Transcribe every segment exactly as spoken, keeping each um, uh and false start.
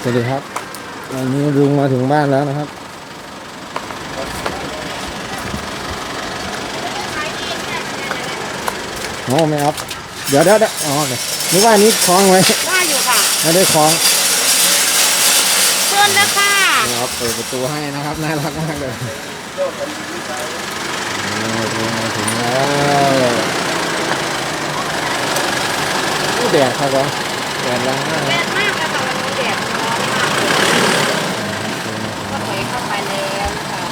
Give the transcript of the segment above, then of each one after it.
สวัสดีครับวันนี้ลุงมาถึงบ้านแล้วนะครับโอ้ไม่อัพเดี๋ยวเดี๋ยวอ๋อนึกว่านี้คล้องไว้ได้อยู่ค่ะไม่ได้คล้องเพื่อนนะค่ะครับเปิดประตูให้นะครับน่ารักมากเลยมาถึงแล้วผู้แดดครับผมแดดแรงมากแดดมากเลยค่ะวันนี้แดดร้อนมากก็ถอยเข้าไปแล้วนะคะ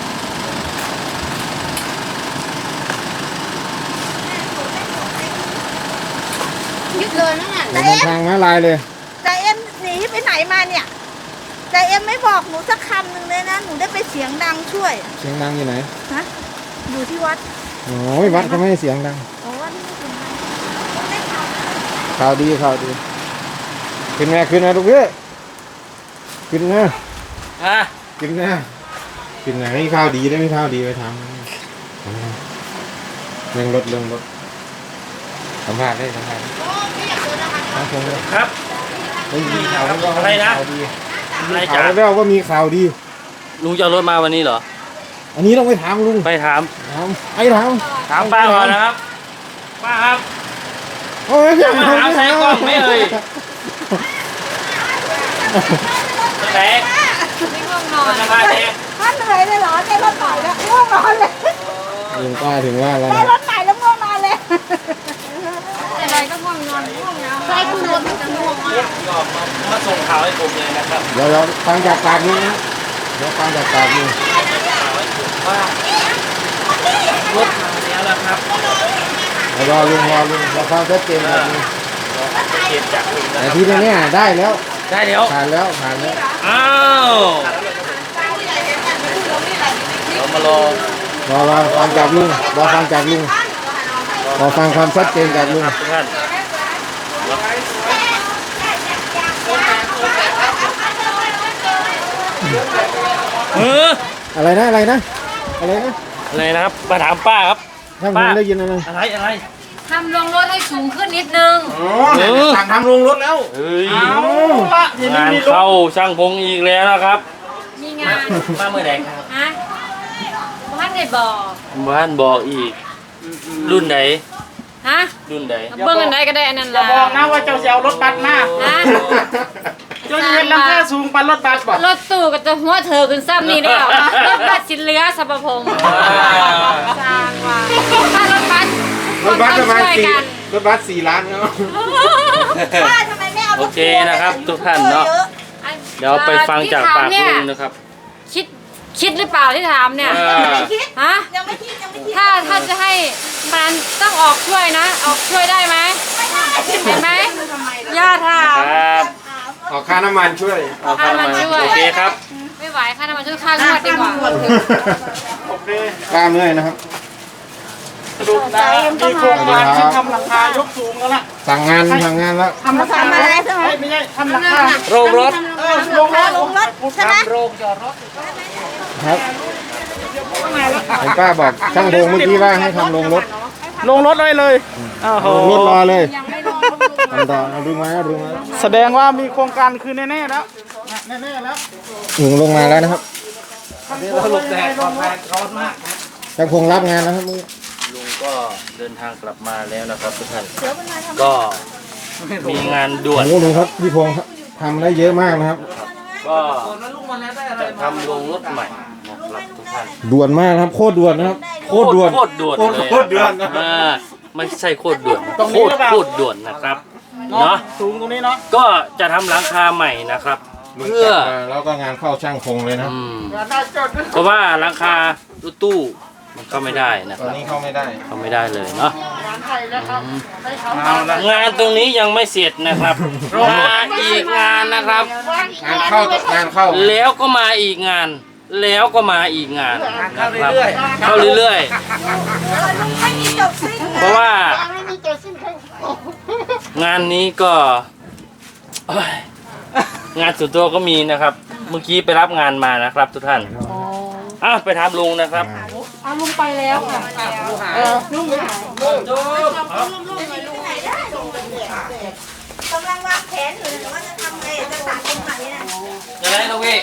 ยึดเลยนั่นน่ะเดินทางมาลายเลยจ่าเอ็มหนีไปไหนมาเนี่ยจ่าเอ็มไม่บอกหนูสักคำหนึ่งเลยนะหนูได้ไปเสียงดังช่วยเสียงดังอยู่ไหนฮะอยู่ที่วัดโอ้ยวัดก็ไม่ให้เสียงดังโอ้วัดไม่เสียงดังได้ข่าวข่าวดีข่าวดีขึ้นมาขึ้นมาลูกเอ้ยขึ้นมาฮะขึ้นมาขึ้นมาไม่ข่าวดีได้ไม่ข่าวดีไปทำเรื่องรถเรื่องรถสัมภาษณ์ได้สัมภาษณ์ครับไม่มีข่าวอะไรนะอะไรจ๋าแล้วว่ามีข่าวดีลุงจะเอารถมาวันนี้เหรออันนี้ต้องไปถามลุงไปถามถามไอ้ถามถามป้าก่อนนะครับป้าครับโอ้ยจะมาถามแซงกล้องไม่เลยแซงไม่ง่วงนอนจะมาแซงท่านเหนื่อยเลยเหรอได้รถใหม่แล้วง่วงนอนเลยลุงป้าถึงว่าแล้วได้รถใหม่แล้วง่วงนอนเลยอะไรก็ง่วงนอนง่วงนะใช่คุณรถมันจะง่วงมากก็มาส่งข่าวให้ผมเลยนะครับเดี๋ยวเราฟังจากปากนี้นะเดี๋ยวฟังจากปากนี้ว่ารถมาแล้วนะครับรอลุงรอลุงรอฟังชัดเจนแบบนี้เก็บจากลุงนะแต่ที่นี่ได้แล้วได้แล้วผ่านแล้วผ่านแล้วอ้าวเรามารอรอรอฟังจากลุงรอฟังจากลุงรอฟังความชัดเจนจากลุงทุกท่านเอออะไรนะอะไรนะอะไรนะอะไรนะครับมาถามป้าครับท่านผมได้ยินอะไรอะไรอะไรทำลงรถให้สูงขึ้นนิดนึงอ๋อสั่งทำลงรถแล้วเฮ้ยงานเข้าช่างพงอีกแล้วนะครับมีงานมาเมื่อไหร่ครับฮะบ้านไหนบอกบ้านบอกอีกรุ่นไหนฮะรุ่นไหนเบิ้งอันใดก็ได้อันนั้นอย่าบอกนะว่าเจ้าจะเอารถบัสมาฮะเจ้าจะเห็นราคาสูงปันรถบัสบ่รถตู้ก็จะหัวเธอขึ้นซ้ำนี่แล้วรถบัสสินเรือสัพพงศ์สร้างว่าถ้ารถบัสรถบัสประมาณสี่รถบัสสี่ล้านเนาะโอเคนะครับทุกท่านเนาะเดี๋ยวไปฟังจากปากลุงนะครับคิดคิดหรือเปล่าที่ถามเนี่ยฮะยังไม่คิดยังไม่คิดถ้าถ้าจะให้มันต้องออกช่วยนะออกช่วยได้ไหมเห็นไหมย่าถามออกค่าน้ำมันช่วยออกค่าน้ำมันช่วยโอเคครับไม่ไหวค่าน้ำมันช่วยค่างวดดีกว่าโอเคกล้าเมื่อยนะครับดูได้มีโครงการที่ทำหลังคายกสูงแล้วล่ะสั่งงานสั่งงานแล้วทำหลังคาอะไรใช่ไหมไม่ใช่ทำหลังคาโรงรถเออโรงรถโรงรถใช่ไหมโรงจอดรถครับเห็นป้าบอกช่างโรงเมื่อกี้ว่าให้ทำโรงรถลงรถเลยเลยรถรอเลยทำต่อดึงมาดึงมาแสดงว่ามีโครงการคือแน่ๆแล้วแน่ๆแล้วหนุนลงมาแล้วนะครับเราหลบแดดร้อนมากร้อนมากช่างพงรับงานนะครับมือลุงก็เดินทางกลับมาแล้วนะครับทุกท่านก็มีงานด่วนโอ้ลุงครับพี่พงศ์ทำได้เยอะมากนะครับก็จะทำโรงรถใหม่นะครับทุกท่านด่วนมากครับโคตรด่วนนะครับโคตรด่วนโคตรด่วนเลยโคตรด่วนไม่ใช่โคตรด่วนโคตรโคตรด่วนนะครับเนาะสูงตรงนี้เนาะก็จะทำหลังคาใหม่นะครับเพื่อแล้วก็งานเข้าช่างพงเลยนะเพราะว่าหลังคารถตู้มันเข้าไม่ได้นะตอนนี้เข้าไม่ได้เข้าไม่ได้เลยเนาะงานตรงนี้ยังไม่เสร็จนะครับมาอีกงานนะครับงานเข้างานเข้าแล้วก็มาอีกงานแล้วก็มาอีกงานนะครับเข้าเรื่อยๆเพราะว่างานนี้ก็งานส่วนตัวก็มีนะครับเมื่อกี้ไปรับงานมานะครับทุกท่านอ่ะไปถามลุงนะครับอ่ะลุงไปแล้วค่ะเออลุงไปไหนลุงลุงลุงไหนได้กำลังวางแผนอยู่นะว่าจะทำไงจะตัดตรงไหนนะไหนลูกพี่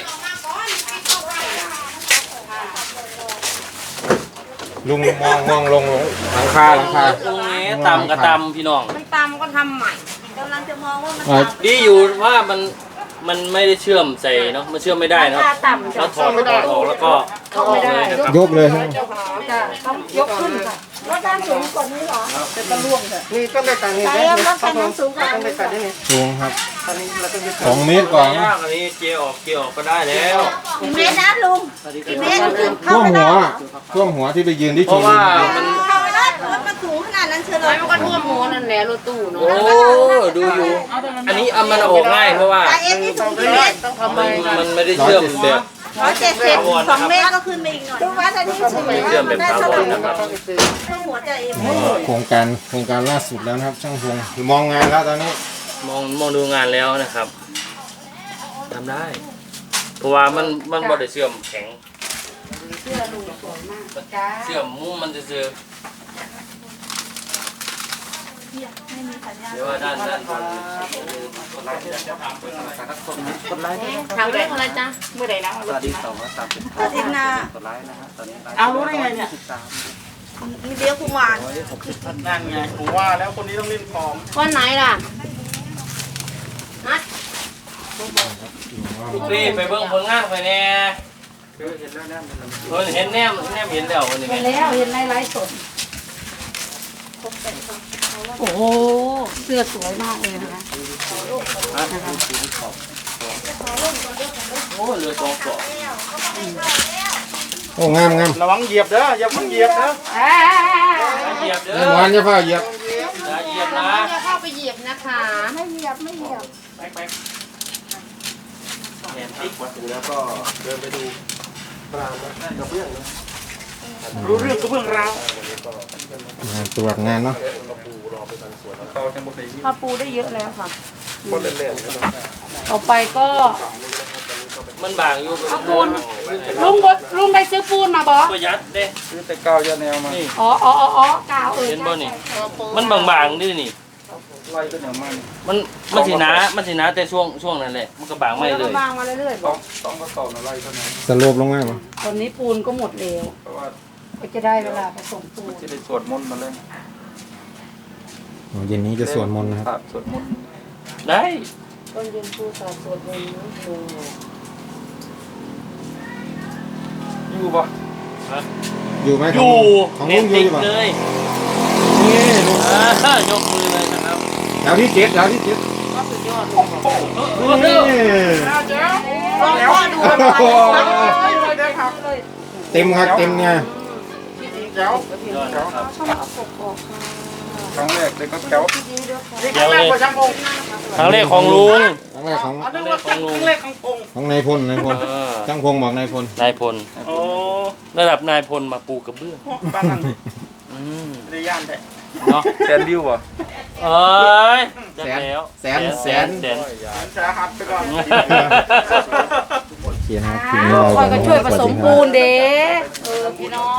ลุงมองมองลงลงหลังคาหลังคาตรงนี้ตำกระตำพี่น้องมันตามก็ทำใหม่กำลังจะมองว่ามันอ่าดีอยู่ว่ามันมันไม่ได้เชื่อมใส่เนาะมันเชื่อมไม่ได้เนาะถ้าต่ำเราถอดถอดออกแล้วก็เข้าออกเลยนะครับยกเลยใช่ไหมจะต้องยกขึ้นค่ะรถด้านสูงกว่านี้เหรอนี่ต้องได้ตังค์นี่ใจเอ็มรถคันนั้นสูงกว่าต้องได้นี้ตังค์นี่ลุงครับตอนนี้เราต้องยึดสองเมตรกว่าไม่ยากอันนี้เจียออกเจียออกก็ได้แล้วกี่เมตรนะลุงกี่เมตรขึ้นท่เข้าวมไม่หัได้วเหรอท่วมหัวที่ไปยืนที่เพชราะมว่ามันเข้าไม่ได้รถมันสูงขนาดนั้นเชียวเลแล้วยมันก็ท่วมหัวนั่นแหละรถตู้เนาะโอ้ดูอยู่ อันนี้เอามันออกง่ายเพราะว่าใจเอ็มนี่สูงกี่เมตรต้องทำไมมันมันไม่ได้เชื่อมแบบร้อยเจ็ดสิบสองเมตรก็ขึ้นไปอีกหน่อยดูว่าตอนนี้สูงเชื่อมแบบได้ถาเท่าว ไหร่รนะครับขึ้นหัวใจเอ็มโครงการโครงการล่าสุดแล้วนะครับช่างพงมองงานแล้วตอนนี้มองมองดูงานแล้วนะครับทำได้ เพราะว่ามันมันบ่ได้เชื่อมแข็งเชื่อมมุ้งมันจะเจอเดี๋ยวว่าด้านด้านบนกดไลค์ด้วยทางเรื่องอะไรจ๊ะเมื่อไหร่นะสวัสดีสองร้อยสามสิบอาทิตย์หน้ากดไลค์นะครับตอนนี้เอารู้ได้ไงเนี่ยสิบสามมีเลี้ยวกุมารนั่นไงผมว่าแล้วคนนี้ต้องเล่นของวันไหนล่ะนัดลูกพี่ไปเบิ่งผลงานไปแน่เห็นแล้วแนมเห็นแนมแนมเห็นแล้ววันนี้เห็นแล้วเห็นในไลฟ์สดโอ้โหเสื้อสวยมากเลยนะคะโอ้เหลือสองกล่องโอ้งามงามระวังเหยียบเด้ออย่าเพิ่งเหยียบนะเหยียบเด้อเมื่อวานจะพาเหยียบอย่าเหยียบนะจะเข้าไปเหยียบนะคะไม่เหยียบไม่เหยียบไปไปเห็นติ๊กวัดดูแล้วก็เดินไปดูปรามกระเบื้องนะรู้เรื่องกระเบื้องราวงานตรวจงานเนาะเขาจะหมดเลยข้าวปูได้เยอะแล้วค่ะคนเล่นๆต่อไปก็มันบางอยู่เอาปูนลุงบดลุงได้ซื้อปูนมาบอประหยัดเด้ซื้อแต่กาวยาแนวมานี่อ๋ออ๋ออ๋อกาวเออเห็นบ่นี่มันบางๆนี่นี่ไล่ตัวเหนียวมันมันมันสิหนามันสิหนาแต่ช่วงช่วงนั้นแหละมันก็บางไม่เลยบางมาเรื่อยๆบต้ออก งต้องกระสอบอะไรเท่านั้นสโลบลงมาป่ะตอนนี้ปูนก็หมดแล้วเพราะว่าก็จะได้เวลาผสมปูนจะได้สวดมนต์มาเลยเย็นนี้จะสวดมนต์นะครับครับสวดมนต์ได้ต้นเย็นปูสาสวดมนต์ปูอยู่ปะอยู่ไหมอยู่ของเน็ลุตงอยู่ติอดยู่ป่ะเลยนี่ลุงอ่ายกมือเลยนะครับแถวที่เจ็ดแถวที่เจ็ดโอ้โหนี่ลองพ่อดูมันไปเต็มครับเต็มเนี่ยแก้วยอดนะครับครั้งแรกเลยก็แก้วเดี๋ยวเลยช่างพงครั้งแรกของลุงครั้งแรกของอันนั้นว่าครั้งแรกของพงของนายพลนายพลเออช่างพงบอกนายพลนายพลโอ้ระดับนายพลมาปูกระเบื้องบ้านนั้นอืมได้ย่านแต่เนาะแสนวิวอ่ะเอ้ยจะแล้วแสนแสนแสนสาหัสไปก่อนโอเคนะครับทีนี้เราคอยก็ช่วยผสมปูนเด้เออพี่น้อง